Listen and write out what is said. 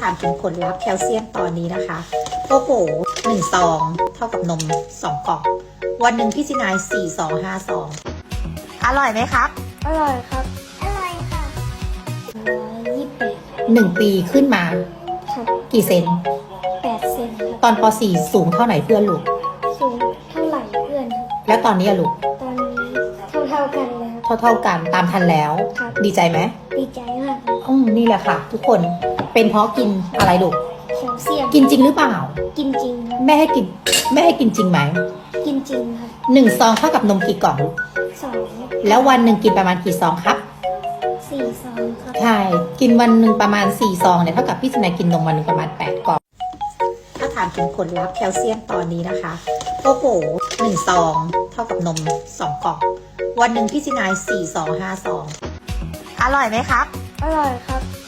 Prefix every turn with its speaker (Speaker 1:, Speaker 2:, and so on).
Speaker 1: ถามถึงผลลัพธ์แคลเซียมตอนนี้นะคะโอ้โห1 ซองเท่ากับนม2 กล่องวันหนึ่งพี่ซินาย4 ซอง 5 ซองอร่อยไหมครับ
Speaker 2: อร่อยครับ
Speaker 3: อร่อยค่ะ
Speaker 2: 128
Speaker 1: 1 ปีขึ้นมา
Speaker 2: ครับ
Speaker 1: กี่เซน
Speaker 2: 8 เซนครับ
Speaker 1: ตอนป .4 สูงเท่าไหร่เพื่อนลูก
Speaker 2: สูงเท่าไหร่เพื่อนครับ
Speaker 1: แล้วตอนนี้อะลูก
Speaker 2: ตอนนี้เท่ากันเลยครับ
Speaker 1: เท่ากันตามทันแล้ว
Speaker 2: ครับ
Speaker 1: ดีใจไหม
Speaker 2: ดีใจมากครับ
Speaker 1: นี่แหละค่ะ ทุกคนเป็นเพราะกินอะไรลูก
Speaker 2: แคลเซียม
Speaker 1: กินจริงหรือเปล่า
Speaker 2: กินจริงครับ
Speaker 1: แม่ให้กินจริงไหม
Speaker 2: กินจริงครับ
Speaker 1: 1 ซองเท่ากับนมกี่กล่องลูก
Speaker 2: 2
Speaker 1: แล้ววันหนึ่งกินประมาณกี่ซองครับ
Speaker 2: 4 ซองครับ
Speaker 1: ใช่ กินวันหนึ่งประมาณ4 ซองเนี่ยเท่ากับพี่สนายกินนมวันหนึ่งประมาณ8 กล่อง ถ้าถามถึงผลลัพธ์แคลเซียมตอนนี้นะคะโอ้โห1 ซองเท่ากับนม2 กล่องวันหนึ่งพี่ซินาย4 ซอง 5 ซองอร่อยไหมครับ
Speaker 2: อร่อยครับ